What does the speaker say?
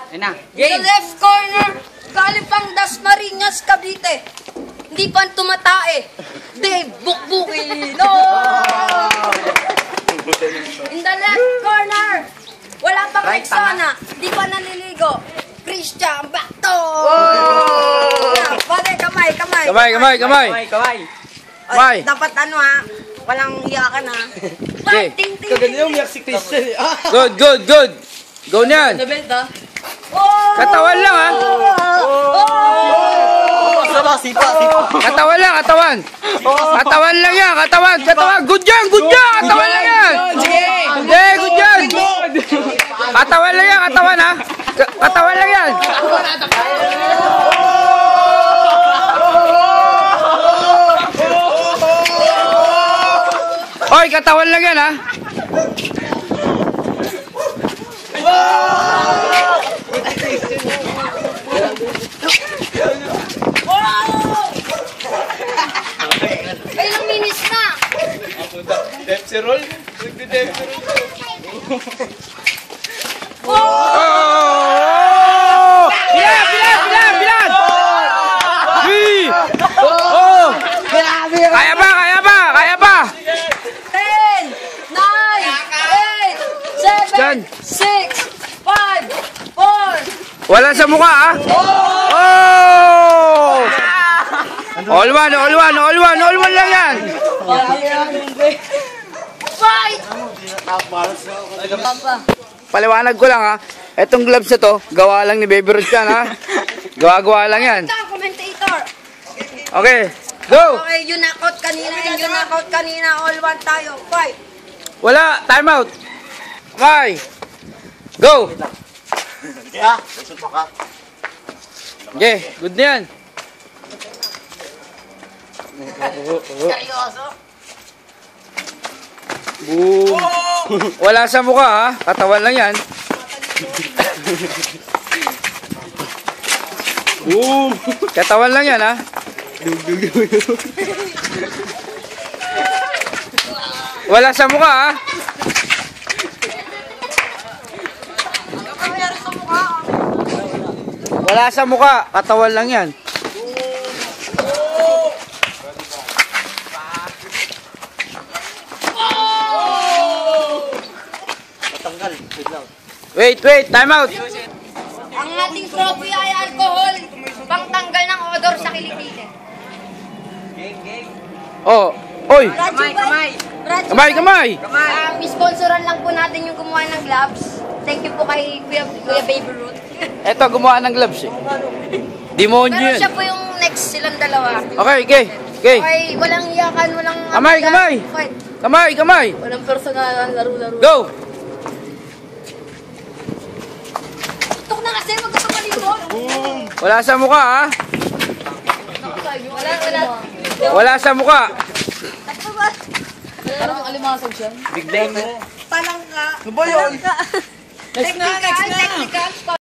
Ayun na. Sa left corner, galing pang Dasmariñas, Cavite. Hindi pa tumatae. Dave Bukbuki. No! In the left corner, wala pang Rexona. Hindi pa naliligo. Christian Bacto. Pare, kamay. Kamay. Dapat ano ha, walang iyakan ha. Okay. Kaganda yung umiyak si Christian. Good. Go niyan. Katawan lang ha. Sipa. Katawan lang. Katawan lang yan. Katawan. Good yan. Katawan lang yan. Sige. Good yan. Katawan lang yan. Katawan lang yan. Oy, katawan lang yan ha. Ilang minutes na? Depsi roll. Bilan! Kaya pa! 10, 9, 8, 7, 6, 5, 4. Wala sa mukha ha. All one lang yan. Fight! Paliwanag ko lang ha. Etong gloves na to, gawa lang ni Baby Ruth yan ha. Gawa lang yan. Commentator. Okay, go! Okay, you knock out kanina. All one tayo. Fight! Wala, time out. Okay, go! Okay, good na yan. Seryoso? Boom! Wala sa mukha ha, katawan lang yan. Boom! Katawan lang yan ha. Wala sa mukha ha. Wala sa mukha, katawan lang yan. Wait, time out. Ang ating trophy ay alcohol. Pangtanggal ng odor sa kilikili. Oh, oy. Kamay. Sponsoran lang po natin yung gumawa ng gloves. Thank you po kay Kuya Baby Ruth. Eto, gumawa ng gloves eh. Demonyo Pero yun. siya po yung next silang dalawa. Okay. Okay, walang iyakan, walang... Kamay. Fight. Kamay. Walang personal, laro-laro. Go! Tok na kasi, wag ka tumalikod. Wala sa mukha ha. Wala sa mukha. Parang alimasag siya. Big day mo. Palang ka. Ano ba yun? Technical.